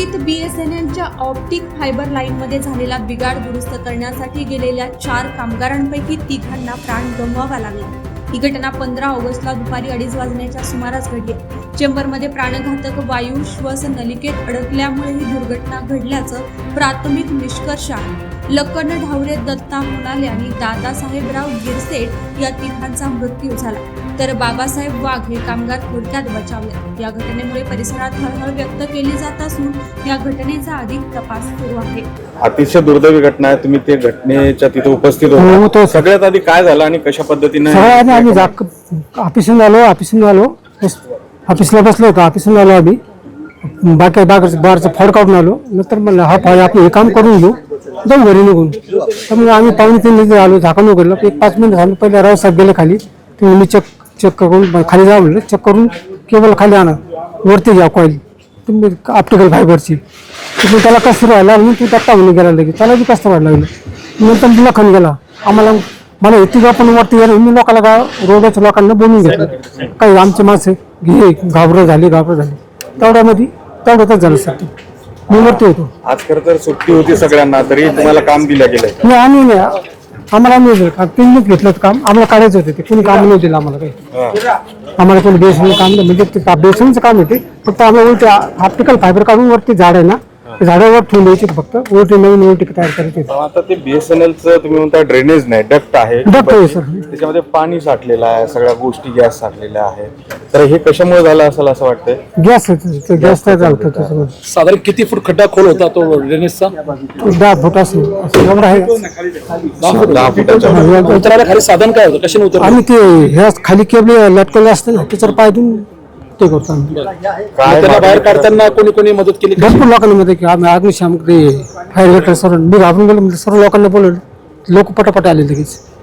मुंबईत BSNLच्या optic fibre लाईनमध्ये झालेला बिघाड दुरुस्त करण्यासाठी गेलेल्या 4 कामगारांपैकी 3 प्राण गमवावा लागला। ही घटना 15 ऑगस्टला दुपारी 2:30 वाजण्याच्या सुमारास घडली। चेंबरमध्ये प्राणघातक वायू श्वास नलिकेत अडकल्यामुळे ही दुर्घटना घडल्याचं प्राथमिक निष्कर्ष आहे। लखन ढावरे, दत्ता मोनाले आणि दादासाहेबराव गिरसेट या 3 मृत्यू झाला, तर बाबासाहेब वाघ हे कामगार थोडक्यात बचावले। या घटनेमुळे परिसरात हळहळ व्यक्त केली जात असून या घटनेचा अधिक तपास सुरू आहे। अतिशय दुर्दैवी घटना आहे। तुम्ही ते घटनेच्या तिथे उपस्थित होता। सगळ्यात आधी काय झालं आणि कशा पद्धतीने? आम्ही ऑफिसून आलो, ऑफिसला बसलो होतो, ऑफिसून आलो आम्ही, बारचं फळ काढून आलो। नंतर म्हणलं हा फळ आपण हे काम करून घेऊ, जाऊ घरी निघून। तर मग आम्ही 2:45 आलो, झाकण उघडलं। 5 मिनिट झालं, पहिले राव साहेब गेले खाली, ते मी चेक करून खाली जा म्हणलं, चेक करून केबल खाली आणा, वरती घ्या कॉईल तुम्ही ऑप्टिकल फायबरची। तुम्ही त्याला कसं राहिला म्हणून तू दत्ता म्हणून गेला लगेच, त्याला बी कसं वाढ लागलं। नंतर लखन गेला, मला इतकं पण वरती गेलं, मी लोकांना रोडच्या लोकांना बोलून घेतलं, काही आमचे माणसं घाबरं झाली। तेवढ्यातच झालं सर, मी वरती होतो। आज खरं तर सुट्टी होती सगळ्यांना, तरी तुम्हाला काम दिलं गेलं? नाही, आम्हाला नाही दिलं काम, त्यांनीच घेतलं काम, आम्हाला काढायचं होतं ते, कोणी काम नाही दिलं आम्हाला काही। आम्हाला कोणी बेसन काम नाही, म्हणजे बेसनचं काम होते, फक्त आम्हाला उलटे ऑप्टिकल फायबर काढून वरती झाड आहे ना, झाडावर ठेवून द्यायचे, फक्त उलटी नवीन उलटी तयार करायची। आता ते BSNLचं तुम्ही म्हणता ड्रेनेज नाही, डक्ट आहे, सर, त्याच्यामध्ये पाणी साठलेलं आहे, सगळ्या गोष्टी गॅस साठलेल्या आहेत, तर हे कशामुळे झालं असेल असं वाटतंय? गॅस तयार झालं त्याच्यामध्ये। साधारण किती फूट खड्डा खोल होता तो ड्रेनेजचा? 10 फूट असेल, एवढा आहे। 10 फुटाच्या उतरायला खाली साधन काय होतं, कशाने उतर? आम्ही ते ह्या खाली केबल लटकवले असते ना, त्याच्यावर पाय देऊन ते करतो आम्ही। त्याला बाहेर काढताना कोणी मदत केली? भरपूर लोकांमध्ये की आम्ही अग्निशामक फायर ब्रिगेड सर्व, मी घाबरून गेलो, म्हणजे सर्व लोकांना बोलवलं, लोक पटापट आले लगेच।